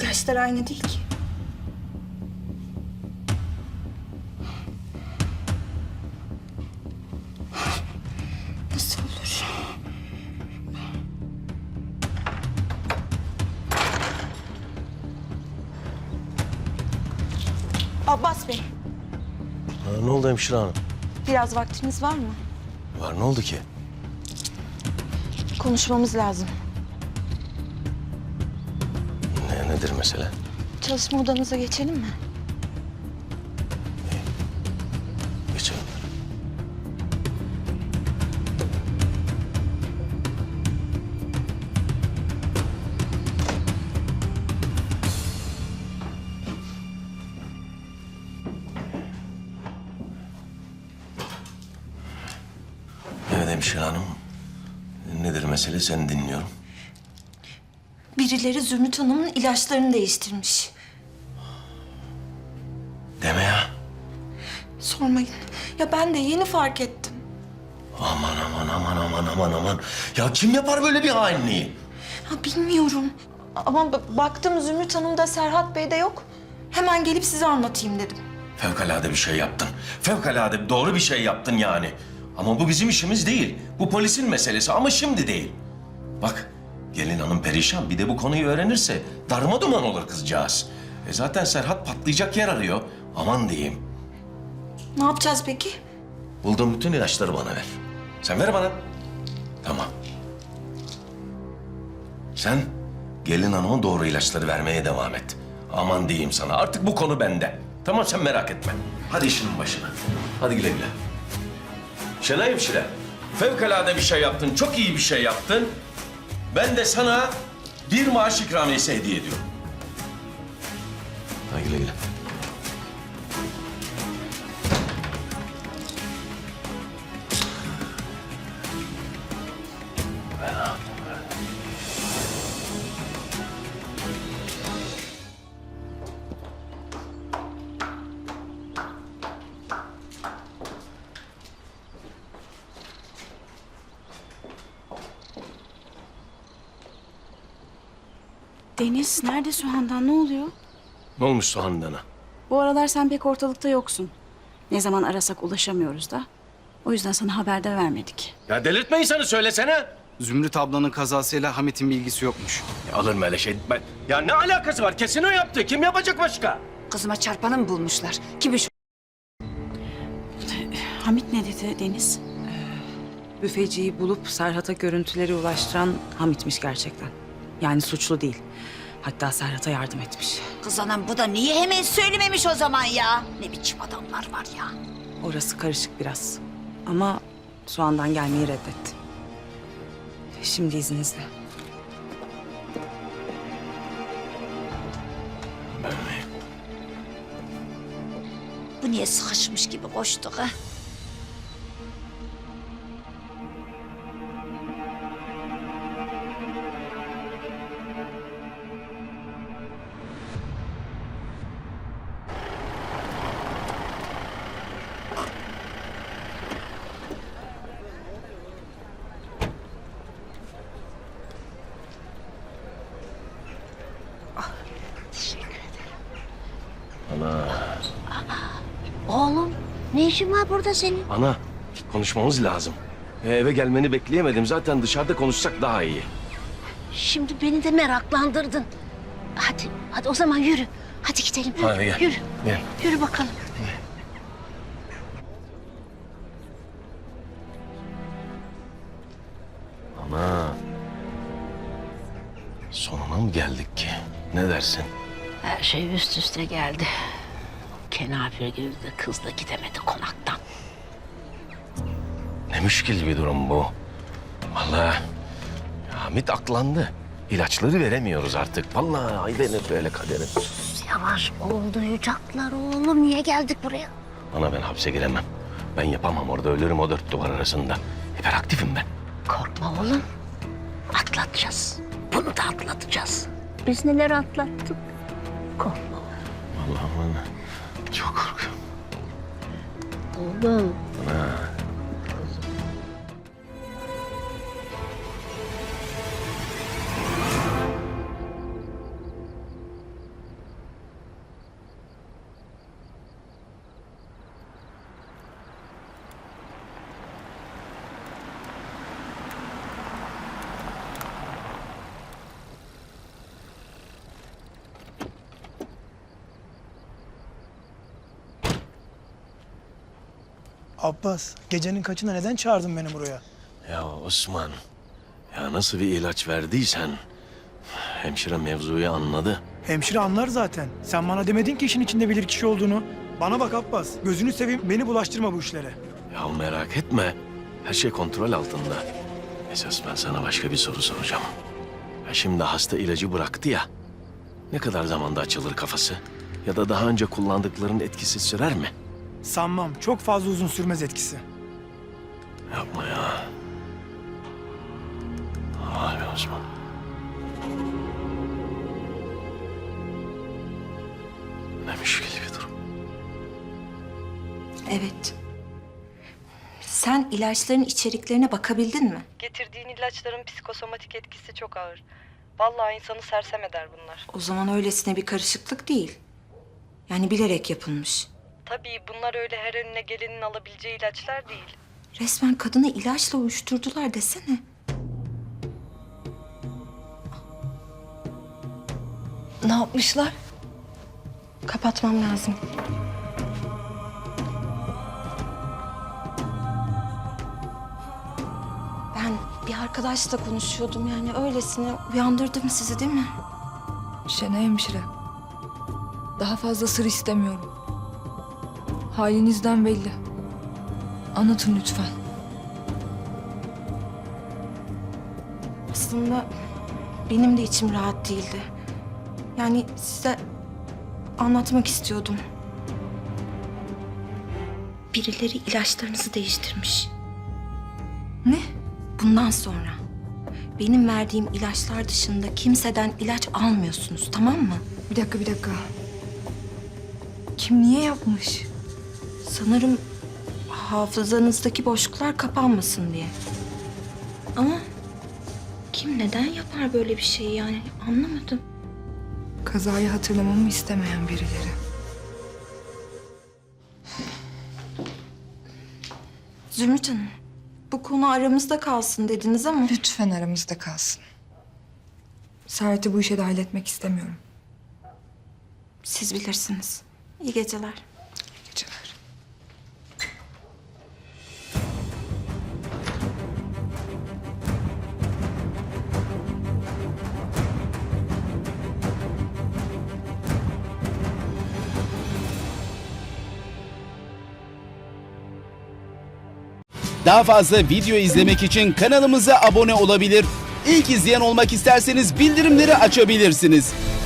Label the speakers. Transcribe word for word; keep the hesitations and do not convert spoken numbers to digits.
Speaker 1: İlaçlar aynı değil ki. Nasıl olur? Abbas Bey,
Speaker 2: Ha, ne oldu hemşire hanım?
Speaker 1: biraz vaktiniz var mı?
Speaker 2: Var, ne oldu ki?
Speaker 1: Konuşmamız lazım.
Speaker 2: Ne, nedir mesele?
Speaker 1: Çalışma odanıza geçelim mi?
Speaker 2: Geçelim. Evet hemşire hanım. Nedir mesele? Seni dinliyorum.
Speaker 1: Birileri Zümrüt Hanım'ın ilaçlarını değiştirmiş.
Speaker 2: Deme ya.
Speaker 1: Sormayın. Ya ben de yeni fark ettim.
Speaker 2: Aman aman aman aman aman aman. Ya kim yapar böyle bir hainliği?
Speaker 1: Ha bilmiyorum. Ama ba- baktım Zümrüt Hanım'da Serhat Bey de yok. Hemen gelip size anlatayım dedim.
Speaker 2: Fevkalade bir şey yaptın. Fevkalade doğru bir şey yaptın yani. Ama bu bizim işimiz değil. Bu polisin meselesi ama şimdi değil. Bak gelin hanım perişan. Bir de bu konuyu öğrenirse darma duman olur kızcağız. E zaten Serhat patlayacak yer arıyor. Aman diyeyim.
Speaker 1: Ne yapacağız peki?
Speaker 2: Bulduğum bütün ilaçları bana ver. Sen ver bana. Tamam. Sen gelin hanıma doğru ilaçları vermeye devam et. Aman diyeyim sana artık bu konu bende. Tamam sen merak etme. Hadi işinin başına. Hadi güle güle. Şenay hemşire, fevkalade bir şey yaptın, çok iyi bir şey yaptın. Ben de sana bir maaş ikramiyesi hediye ediyorum. Hadi güle güle.
Speaker 3: Deniz, nerede Sühan'dan? Ne oluyor?
Speaker 2: Ne olmuş Soğandan'a?
Speaker 3: Bu aralar sen pek ortalıkta yoksun. Ne zaman arasak ulaşamıyoruz da. O yüzden sana haber de vermedik.
Speaker 2: Ya delirtme insanı söylesene.
Speaker 4: Zümrüt ablanın kazasıyla Hamit'in bilgisi yokmuş.
Speaker 2: Ya alır mı öyle şey? Ben... Ya ne alakası var? Kesin o yaptı. Kim yapacak başka?
Speaker 5: Kızıma çarpanı mı bulmuşlar? Kimmiş?
Speaker 3: Hamit ne dedi Deniz?
Speaker 5: Büfeciyi bulup Serhat'a görüntüleri ulaştıran Hamit'miş gerçekten. Yani suçlu değil. Hatta Serhat'a yardım etmiş.
Speaker 6: Kız anam bu da niye hemen söylememiş o zaman ya? Ne biçim adamlar var ya.
Speaker 5: Orası karışık biraz. Ama Soğan'dan gelmeyi reddetti. Şimdi izninizle.
Speaker 6: Bu niye sıkışmış gibi koştuk ha?
Speaker 7: Oğlum, ne işin var burada senin?
Speaker 2: Ana, konuşmamız lazım. E, eve gelmeni bekleyemedim. Zaten dışarıda konuşsak daha iyi.
Speaker 7: Şimdi beni de meraklandırdın. Hadi, hadi o zaman yürü. Hadi gidelim. Yürü,
Speaker 2: Hadi gel.
Speaker 7: yürü.
Speaker 2: Gel.
Speaker 7: Yürü bakalım.
Speaker 2: Ana. Sonuna mı geldik ki? Ne dersin?
Speaker 7: Her şey üst üste geldi. Kenafir gibi de kız da gidemedi konaktan.
Speaker 2: Ne müşkil bir durum bu. Vallahi Hamit aklandı. İlaçları veremiyoruz artık. Vallahi ay benim böyle kaderim.
Speaker 7: Yavaş ol, duyacaklar oğlum. Niye geldik buraya?
Speaker 2: Ana ben hapse giremem. Ben yapamam orada ölürüm o dört duvar arasında. Hiperaktifim ben.
Speaker 7: Korkma oğlum. Atlatacağız. Bunu da atlatacağız. Biz neler atlattık. Korkma
Speaker 2: Allah'ım ana. Çok korkuyorum.
Speaker 7: oğlum.
Speaker 2: Ana.
Speaker 8: Abbas, gecenin kaçında neden çağırdın beni buraya?
Speaker 2: Ya Osman, ya nasıl bir ilaç verdiysen hemşire mevzuyu anladı.
Speaker 8: Hemşire anlar zaten. Sen bana demedin ki işin içinde bilir kişi olduğunu. Bana bak Abbas, gözünü seveyim beni bulaştırma bu işlere.
Speaker 2: Ya merak etme, her şey kontrol altında. Esas ben sana başka bir soru soracağım. Ya şimdi hasta ilacı bıraktı ya, ne kadar zamanda açılır kafası? Ya da daha önce kullandıkların etkisi sürer mi?
Speaker 8: Sanmam, çok fazla uzun sürmez etkisi.
Speaker 2: Yapma ya. Abi Osman. Ne müşkil bir durum.
Speaker 1: Evet. Sen ilaçların içeriklerine bakabildin mi?
Speaker 9: Getirdiğin ilaçların psikosomatik etkisi çok ağır. Vallahi insanı sersem eder bunlar.
Speaker 1: O zaman öylesine bir karışıklık değil. Yani bilerek yapılmış.
Speaker 9: Tabii bunlar öyle her önüne gelenin alabileceği ilaçlar değil.
Speaker 1: Resmen kadını ilaçla uyuşturdular desene. Ne yapmışlar? Kapatmam lazım. Ben bir arkadaşla konuşuyordum yani öylesine uyandırdım sizi değil mi?
Speaker 10: Şenay hemşire. Daha fazla sır istemiyorum. Halinizden belli. Anlatın lütfen.
Speaker 1: Aslında benim de içim rahat değildi. Yani size anlatmak istiyordum. Birileri ilaçlarınızı değiştirmiş.
Speaker 10: Ne?
Speaker 1: Bundan sonra benim verdiğim ilaçlar dışında kimseden ilaç almıyorsunuz, tamam mı?
Speaker 10: Bir dakika bir dakika. Kim niye yapmış?
Speaker 1: Sanırım hafızanızdaki boşluklar kapanmasın diye. Ama kim neden yapar böyle bir şeyi yani anlamadım.
Speaker 10: Kazayı hatırlamamı istemeyen birileri.
Speaker 1: Zümrüt Hanım, bu konu aramızda kalsın dediniz ama...
Speaker 10: Lütfen aramızda kalsın. Serhat'ı bu işe dahil etmek istemiyorum.
Speaker 1: Siz bilirsiniz. İyi geceler.
Speaker 10: İyi geceler.
Speaker 11: Daha fazla video izlemek için kanalımıza abone olabilir. İlk izleyen olmak isterseniz bildirimleri açabilirsiniz.